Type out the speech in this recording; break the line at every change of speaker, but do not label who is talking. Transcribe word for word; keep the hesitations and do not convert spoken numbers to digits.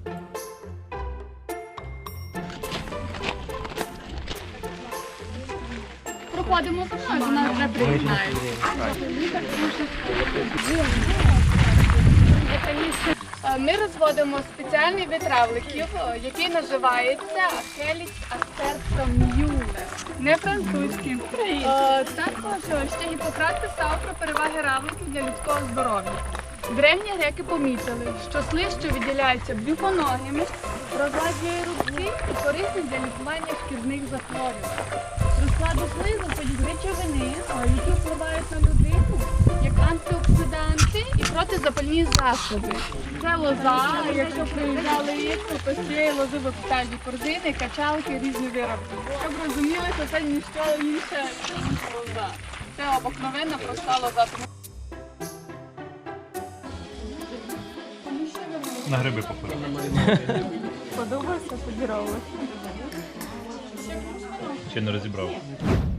Проходимо за мною, вона вже приєднає. Ми розводимо спеціальний вид равликів, який називається Ахеліс астерца мюллер. Не французький. Також ще Гіппократ писав про переваги равликів для людського здоров'я. Древні греки помітили, що слизь, що виділяється брюхоногими, розладжує рубці і корисний для лікування шкірних захворювань. До складу слизу входять речовини, які впливають на людину, як антиоксиданти і протизапальні засоби. Це лоза, якщо приїжджали їсти, то з цієї лози випускають корзини, качалки, різні вироби. Щоб розуміли, що це ніщо інше, ніж лоза. Це обикновенна проста лоза.
На гриби походу.
Подобається, подіровувати.
Ще не розібрав.